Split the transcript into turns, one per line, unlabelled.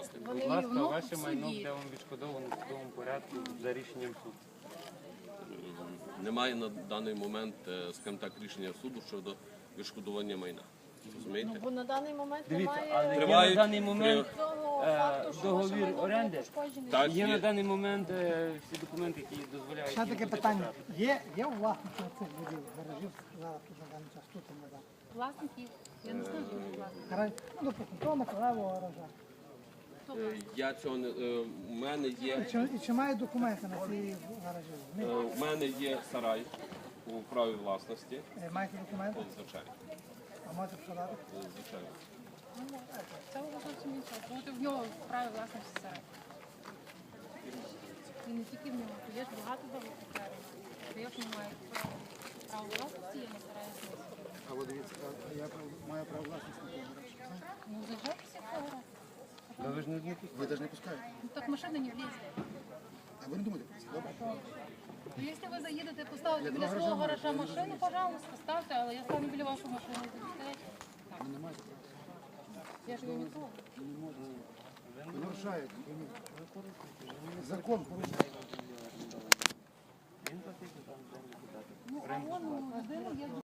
Будь ласка, ваше майно буде вам відшкодовано в судовому порядку за рішенням суду.
Немає на даний момент, скажімо так, рішення суду щодо відшкодування майна. Розумієте?
Бо на даний момент
Дивіться,
немає
але є на
Тривають
даний момент
цього факту, що ваше
договір
майно було
оренди.
пошкоджене.
Так,
Є на
є.
даний момент всі документи, які дозволяють.
Ще
їм
таке
туди
питання.
потрапити.
Є у власника цих будів, гаражів, зараз тут на даний час, тут і не дав.
Власників, я не знаю, що власник.
Гараж, ну, допустимо, того Миколаєвого гаража.
Я цього не у мене є.
І чи мають документи на ці гаражі?
У мене є сарай у праві власності.
Маєте документи?
Звичайно.
А можете сказати?
Звичайно.
Це вже зовсім інше. Бути в нього в праві власності сарай. І не тільки в нього, є ж багато договорів. Я ж не маю право власності, я не стараюся.
А ви дивіться, я маю право власності на той гараж.
Ну, заїжджайтеся в цього.
Ну, ви ж не пускаєте.
Ви навіть не пускаєте.
Ну, так машина не влізе.
А ви не думаєте про це, добре?
Ну, якщо ви заїдете, поставите біля свого гаража машину, пожалуйста, ставте, але я стану біля вашої машини.
Ви не маєте права.
Я ж її не трогаю.
Ви нарушаєте. Закон порушуєте.
Він платить там землю.
Ну, а вон у людини є